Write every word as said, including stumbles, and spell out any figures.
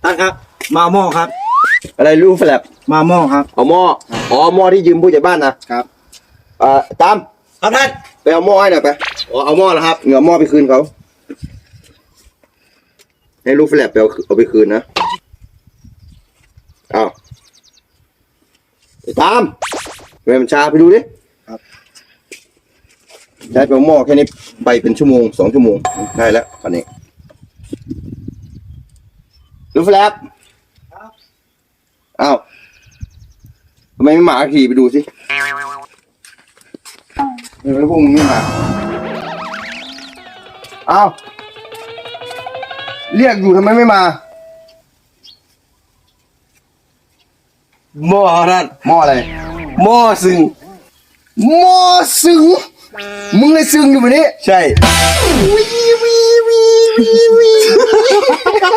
ท่านครับมาหม้อครับอะไรรูแฟลปมาหม้อครับเอาหม้ออ๋อหม้อที่ยืมผู้ใหญ่บ้านนะครับ เอ่อตามครับท่านไปเอาหม้อให้หน่อยไปอ๋อเอาหม้อแล้วครับเงเอาหม้อไปคืนเขาให้รูแฟลปไปเอาเอาไปคืนนะเอาตามทำไมมันช้าไปดูดิครับใช้ไปเอาหม้อแค่นี้ไปเป็นชั่วโมงสองชั่วโมงได้แล้วคันนี้รูแฟลปอ้าวทำไมไม่มาขี่ไปดูสิเออแล้วพวกมึงไม่มาอ้าวเรียกอยู่ทำไมไม่มาหม้อท่านหม้ออะไรหม้อซึ่งหม้อซึ้งมึงเลยซึ้งอยู่แบบนี้ใช่วีวีวีวีวี